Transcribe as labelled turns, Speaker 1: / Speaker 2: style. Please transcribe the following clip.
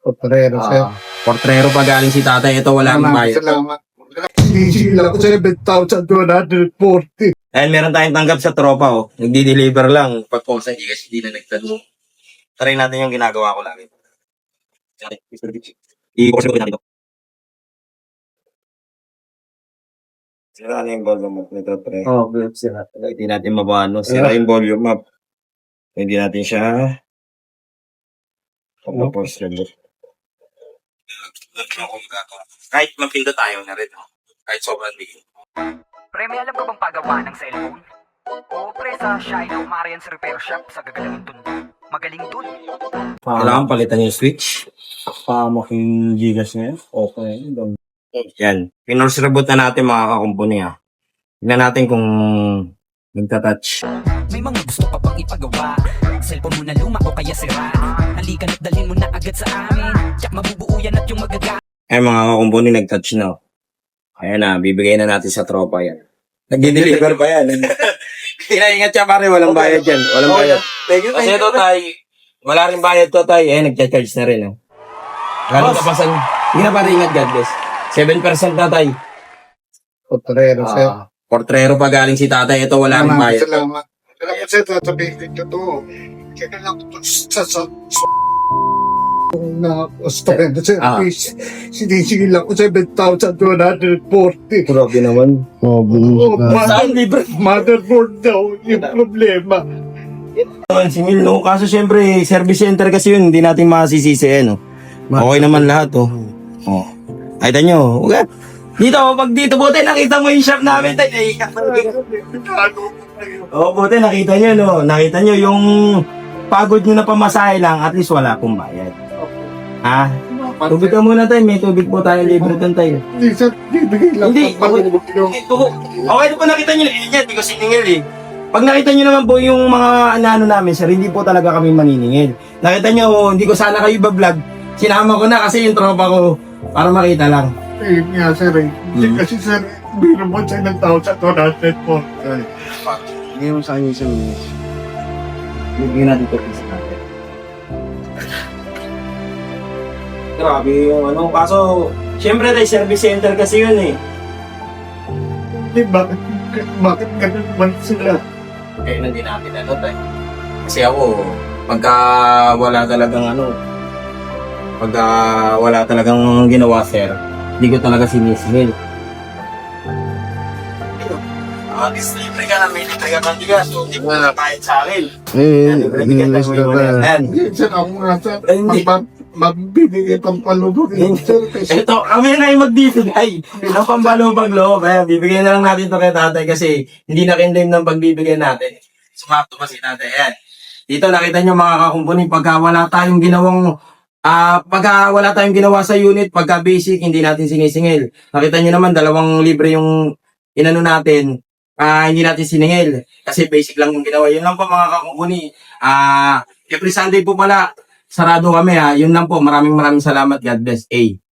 Speaker 1: Portrero, sir.
Speaker 2: Portrero pa galing si tatay. Ito wala akong bayad.
Speaker 1: Salamat. Sinisila ko 7,240.
Speaker 2: Ayun, meron tayong tanggap sa tropa, oh. Nagdi-deliver lang. Pag po sa hindi kasi hindi na nagtanong. Try natin yung ginagawa ko lagi. I-post ko natin ito. Sira na yung volume up nito, pre.
Speaker 1: Oh, sila.
Speaker 2: Hindi natin mabano. Sira yung volume up. Hindi natin siya pag-post ulit. Kahit mapinda tayo na rin. Kahit sobrang bigay.
Speaker 3: Pre, may alam ka bang pagawa ng cellphone? Oo, pre, sa Shina Marian's Repair Shop sa gagalangin tundo. Magaling dun.
Speaker 2: Kailangan palitan yung switch.
Speaker 1: Pamak yung gigas niya. Okay.
Speaker 2: Yan. Pinorse reboot na natin mga kakumpuni, ha. Tignan natin kung nagtatouch.
Speaker 3: May mga gusto ka pang ipagawa. Cellphone mo na luma o kaya sira. Halika na't dalhin mo na agad sa amin. Tsak mabubuo yan at yung magaga.
Speaker 2: Eh mga kakumpuni, nagtouch na. Oh. Ayan na, bibigay na natin sa tropa yan. Nag-deliver pa yan. Inaingat siya pare, walang bayad yan. Walang bayad. Kasi ito tay, wala rin bayad to tay. Eh, nagcha-charge na rin. Oh. Galing kapasan. Hindi na pare, ingat God bless. 7% na tay.
Speaker 1: Portrero, sir.
Speaker 2: Portrero pa galing si tatay. Ito wala rin bayad.
Speaker 1: Salamat. Salamat, sir. Tatabihin ko to. Kaya lang ito sa na student, sir. Please. Sinisila ko 7,240.
Speaker 2: Grabe naman.
Speaker 1: Oh,
Speaker 2: Saan libre?
Speaker 1: motherboard daw yung problema.
Speaker 2: Naman si Mil, no? Kaso syempre, service center kasi yun. Hindi natin masisisi, no? Okay naman lahat, oh. Oh. Ay, tanyo. Okay. Dito, pag dito, buti nakita mo yung shop namin, tayo. Oo, buti nakita nyo, no? Nakita nyo yung pagod nyo na pamasahe lang, at least wala pong bayad. Ha? Tubig ka muna tayo, may tubig po tayo libre doon tayo.
Speaker 1: Hindi, sir. Bibigay lang.
Speaker 2: Hindi, okay po nakita nyo, hindi ko siningil eh. Pag nakita nyo naman po yung mga ano namin, sir, hindi po talaga kami maniningil. Nakita nyo, hindi ko sana kayo iba-vlog. Sinama ko na kasi yung tropa ko para makita lang.
Speaker 1: Eh, nga, sir. Hindi kasi, sir, biro mo sa ilang tao sa 240.
Speaker 4: Hindi mo sa akin yung minutes.
Speaker 2: Bigyan natin ito piso natin. Grabe yung ano, kaso, syempre tayo service center kasi yun eh.
Speaker 1: Hindi, bakit ganun man sila?
Speaker 2: Kaya hindi natin ano tayo. Kasi ako, pagka wala talagang ano, pagka wala talagang ginawa sir, hindi ko talaga sinisingil. Libre ka na, may libre ka kang bigas, so hindi mo na kahit sa akin. Ayan.
Speaker 1: Sir, ako nga, sir.
Speaker 2: Hindi.
Speaker 1: Magbibigay pang palubog. Sir, kasi
Speaker 2: Ito, kami na yung magbibigay ng pambalubag loob. Ayan, bibigyan na lang natin to kay tatay kasi hindi na kinlaim ng pagbibigay natin. Sumakto pa si tatay. Ayan. Dito nakita nyo mga kakumpuni, pagka wala tayong ginawang pagka wala tayong ginawa sa unit, pagka basic, hindi natin sinisingil. Nakita nyo naman, 2 libre yung inano natin, hindi natin siningil. Kasi basic lang yung ginawa. Yun lang po mga kakumpuni. Every Sunday po pala, sarado kami ha. Yun lang po. Maraming salamat. God bless. A.